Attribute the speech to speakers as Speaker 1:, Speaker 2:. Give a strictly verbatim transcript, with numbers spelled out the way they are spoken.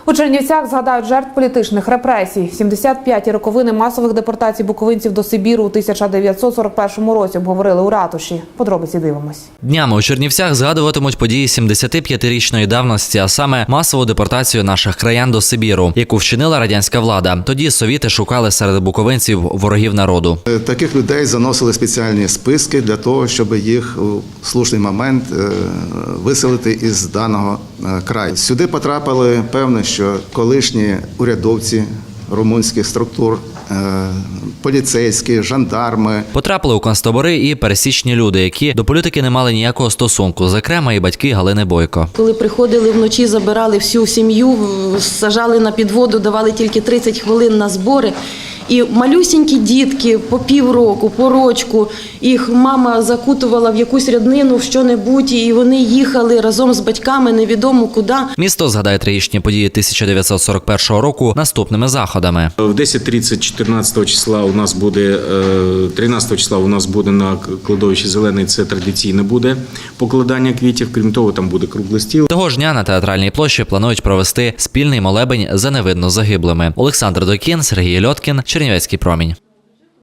Speaker 1: У Чернівцях згадають жертв політичних репресій. сімдесят п'яті роковини масових депортацій буковинців до Сибіру у тисяча дев'ятсот сорок першому році обговорили у ратуші. Подробиці дивимось.
Speaker 2: Днями у Чернівцях згадуватимуть події сімдесятип'ятирічної давності, а саме масову депортацію наших краян до Сибіру, яку вчинила радянська влада. Тоді совіти шукали серед буковинців ворогів народу.
Speaker 3: Таких людей заносили спеціальні списки для того, щоб їх у слушний момент виселити із даного краю. Сюди потрапили, певно, що колишні урядовці румунських структур, поліцейські, жандарми.
Speaker 2: Потрапили у концтабори і пересічні люди, які до політики не мали ніякого стосунку, зокрема і батьки Галини Бойко.
Speaker 4: Коли приходили вночі, забирали всю сім'ю, сажали на підводу, давали тільки тридцять хвилин на збори. І малюсінькі дітки по півроку, по рочку, їх мама закутувала в якусь ряднину, в що-небудь, і вони їхали разом з батьками невідомо куди.
Speaker 2: Місто згадає трагічні події тисяча дев'ятсот сорок першого року наступними заходами.
Speaker 5: В десять тридцять чотирнадцятого числа у нас буде, тринадцятого числа у нас буде на кладовищі Зелений, це традиційне буде покладання квітів, крім того, там буде круглий стіл.
Speaker 2: Того ж дня на Театральній площі планують провести спільний молебень за невинно загиблими. Олександр Докін, Сергій Льоткін, Чернівецький промінь.